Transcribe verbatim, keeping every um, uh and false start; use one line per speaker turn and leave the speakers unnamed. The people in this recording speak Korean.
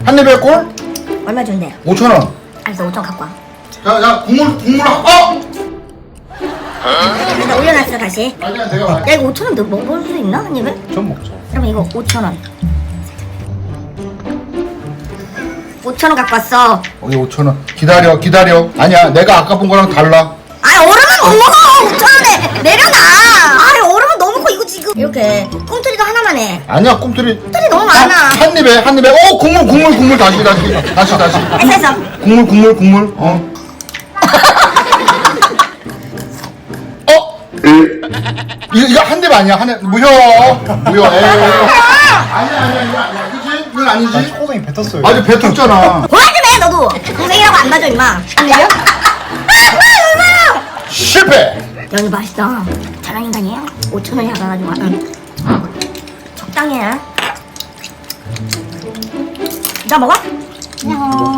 한 입에 꼴?
얼마 준대?
오천 원.
알았어, 오천 갖고 와.
자, 자, 국물, 국물, 어!
일단 올려놨어, 다시.
아니야, 내가 말.
야, 이거 오천 원 너 먹을 수 있나? 한 입에?
좀 먹자.
그러면 이거 오천 원. 오천 원 갖고 왔어.
여기 오천 원. 기다려, 기다려. 아니야, 내가 아까 본 거랑 달라.
아, 얼음은 못 먹어! 오천 원에 내려놔! 아, 얼음은 너무 커, 이거 지금. 이렇게. 꿈틀이도 하나만 해.
아니야, 꿈틀이.
꿈틀이 너무
한,
많아.
한 입에, 한 입에. 어, 국물, 국물, 국물. 다시, 다시. 다시, 다시.
했어, 했어.
국물, 국물, 국물. 어. 어? 이거, 이거 한 입 아니야, 한 입. 무효. 무효. 에이. 아니야, 아니야, 이거 아니야. 그치? 이건
난
아니지?
초고등이 뱉었어요.
아주 뱉었잖아.
뭐야 좀 해, 너도. 동생이라고 안 봐줘, 임마. 안 내려?
실패!
야, 이거 맛있다. 잘한 인간이에요? 오천 원이 받아가지고. 응. 적당히 해. 나 먹어? 안녕.